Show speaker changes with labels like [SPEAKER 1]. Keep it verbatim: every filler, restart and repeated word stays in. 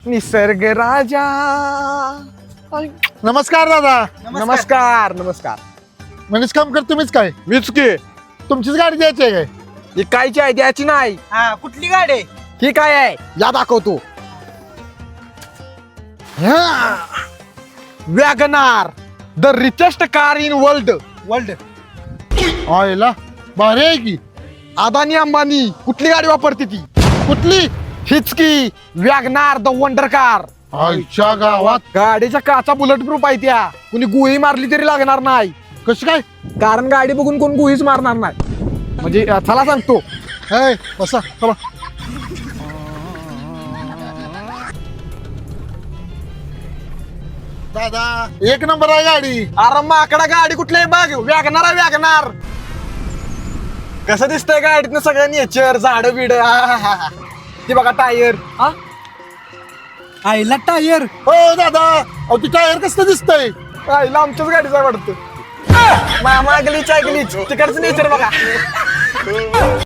[SPEAKER 1] निसर्ग राजा.
[SPEAKER 2] नमस्कार दादा.
[SPEAKER 1] नमस्कार नमस्कार.
[SPEAKER 2] मनीष काम कर तुम्हीच काय?
[SPEAKER 1] मीच की.
[SPEAKER 2] तुमचीच गाडी द्यायची आहे काय?
[SPEAKER 1] ही कायची आहे द्यायची नाही.
[SPEAKER 3] हा कुठली गाडी आहे?
[SPEAKER 1] ही काय आहे या दाखवतो. WagonR the richest car in world.
[SPEAKER 3] World
[SPEAKER 2] आयला भारी आहे की.
[SPEAKER 1] अदानी अंबानी कुठली गाडी वापरते ती?
[SPEAKER 2] कुठली?
[SPEAKER 1] हीच की वॅगनार द वंडर कार.
[SPEAKER 2] आईच्या गावात.
[SPEAKER 1] गाडीच्या काचा बुलेट प्रूफ आहे त्या. कुणी गुही मारली तरी लागणार नाही.
[SPEAKER 2] कशी काय?
[SPEAKER 1] कारण गाडी बघून कोण गुहीच मारणार नाही. म्हणजे अं, चला सांगतो.
[SPEAKER 2] हे बसा चला. दादा एक नंबर आहे गाडी.
[SPEAKER 1] अरे माकडा गाडी कुठली बघ. वॅगनार आहे वॅगनार. कसं दिसतंय गाडीतनं सगळं नेचर झाड बिड. ती बघा टायर. हा
[SPEAKER 3] आईला टायर.
[SPEAKER 2] हो दादा अहो ती टायर कसं दिसतंय?
[SPEAKER 1] आईला आमच्याच गाडीचा वाटतं. मामा गलीच आहे गलीच तिकडचं नेचर बघा.